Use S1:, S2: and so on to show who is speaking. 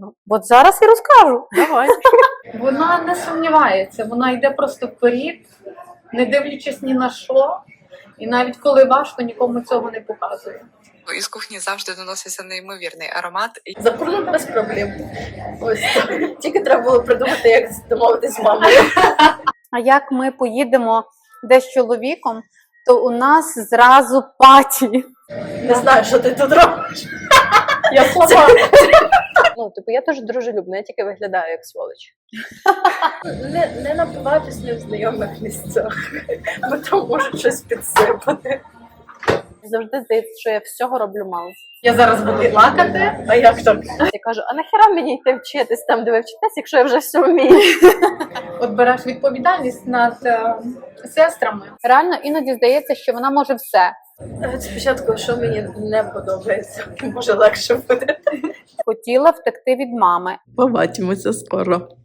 S1: розкажу. От зараз і розкажу.
S2: Давай.
S3: Вона не сумнівається, вона йде просто вперед, не дивлячись ні на що. І навіть коли важко, нікому цього не показує.
S4: Із кухні завжди доноситься неймовірний аромат.
S5: За кордон без проблем. Ось тільки треба було придумати, як домовитись з мамою.
S1: А як ми поїдемо десь з чоловіком, то у нас зразу паті.
S5: Не знаю, що ти тут робиш.
S3: Я слова.
S2: Ну, типу, я теж дружелюбна, я тільки виглядаю як сволоч.
S5: Не напиватись не в знайомих місцях, бо там можуть щось підсипати.
S2: Завжди здається, що я всього роблю мало.
S3: Я зараз буду плакати.
S5: А як так?
S2: Я кажу, а нахіра мені йти вчитись там, де ви вчитесь, якщо я вже все вмію?
S3: От береш відповідальність над сестрами.
S1: Реально іноді здається, що вона може все.
S5: Спочатку, що мені не подобається, може легше буде.
S1: Хотіла втекти від мами.
S6: Побачимося скоро.